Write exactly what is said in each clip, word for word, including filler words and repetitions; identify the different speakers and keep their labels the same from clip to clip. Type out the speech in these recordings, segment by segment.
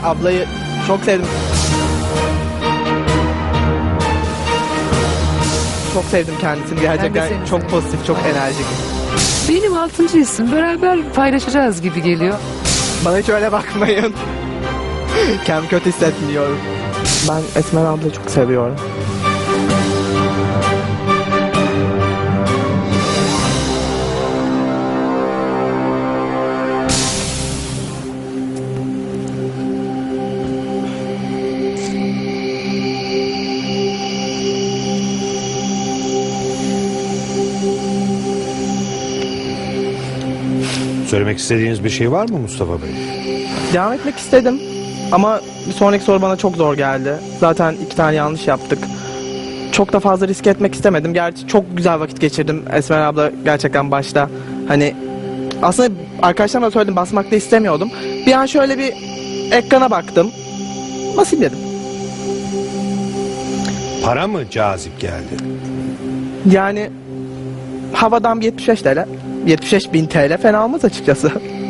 Speaker 1: ablayı çok sevdim. Çok sevdim kendisini gerçekten.
Speaker 2: seni
Speaker 1: Çok
Speaker 2: sevdim.
Speaker 1: pozitif, çok enerjik.
Speaker 2: Benim altıncı isim. Beraber paylaşacağız gibi geliyor.
Speaker 1: Bana hiç öyle bakmayın. Kendimi kötü hissetmiyorum. Ben Esmer ablayı çok seviyorum.
Speaker 3: Söylemek istediğiniz bir şey var mı Mustafa Bey?
Speaker 1: Devam etmek istedim. Ama bir sonraki soru bana çok zor geldi. Zaten iki tane yanlış yaptık. Çok da fazla risk etmek istemedim. Gerçi çok güzel vakit geçirdim. Esmer abla gerçekten başta. Hani aslında arkadaşlarıma da söyledim, basmak da istemiyordum. Bir an şöyle bir ekrana baktım. Basayım dedim.
Speaker 3: Para mı cazip geldi?
Speaker 1: Yani havadan bir yetmiş beş T L. yetmiş beş bin T L fena olmaz açıkçası.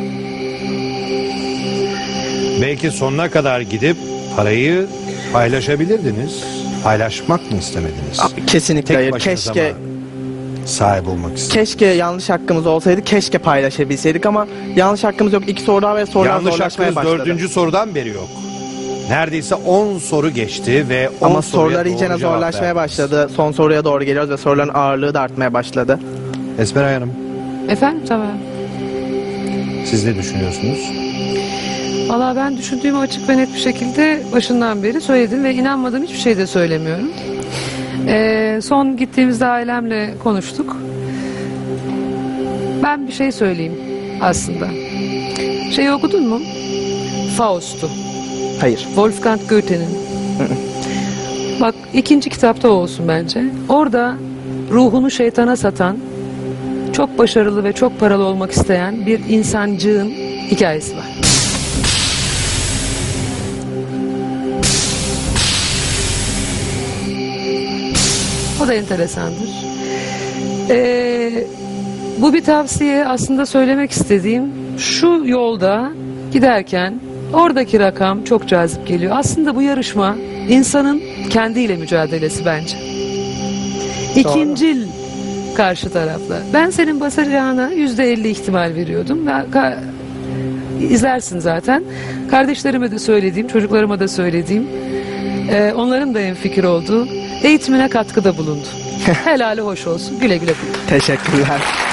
Speaker 3: Belki sonuna kadar gidip parayı paylaşabilirdiniz. Paylaşmak mı istemediniz?
Speaker 1: Kesinlikle
Speaker 3: Tek
Speaker 1: hayır.
Speaker 3: başınıza
Speaker 1: Keşke
Speaker 3: mı sahip olmak istediniz?
Speaker 1: keşke yanlış hakkımız olsaydı. Keşke paylaşabilseydik ama yanlış hakkımız yok. İki soru daha ve sorular
Speaker 3: Yanlış
Speaker 1: zorlaşmaya
Speaker 3: hakkınız
Speaker 1: başladı.
Speaker 3: dördüncü sorudan beri yok. Neredeyse on soru geçti ve on
Speaker 1: Ama
Speaker 3: soruya
Speaker 1: sorular iyice
Speaker 3: doğru cevap
Speaker 1: zorlaşmaya
Speaker 3: verdiniz.
Speaker 1: başladı. Son soruya doğru geliyoruz ve soruların ağırlığı da artmaya başladı.
Speaker 3: Esmer Hanım,
Speaker 2: Efendim tamam.
Speaker 3: siz ne düşünüyorsunuz?
Speaker 2: Valla ben düşündüğümü açık ve net bir şekilde başından beri söyledim ve inanmadığım hiçbir şey de söylemiyorum. Ee, son gittiğimizde ailemle konuştuk. Ben bir şey söyleyeyim aslında. Şeyi okudun mu? Faust'u.
Speaker 1: Hayır.
Speaker 2: Wolfgang Goethe'nin. Bak ikinci kitapta o olsun bence. Orada ruhunu şeytana satan, çok başarılı ve çok paralı olmak isteyen bir insancığın hikayesi var. O da enteresandır. Ee, bu bir tavsiye, aslında söylemek istediğim şu: yolda giderken oradaki rakam çok cazip geliyor. Aslında bu yarışma insanın kendiyle mücadelesi bence. İkincil karşı tarafla. Ben senin basacağına yüzde elli ihtimal veriyordum. Ve izlersin zaten. Kardeşlerime de söylediğim, çocuklarıma da söylediğim, e, onların da hemfikir olduğu, eğitimine katkıda bulundu. Helali hoş olsun. Güle güle kullan.
Speaker 1: Teşekkürler.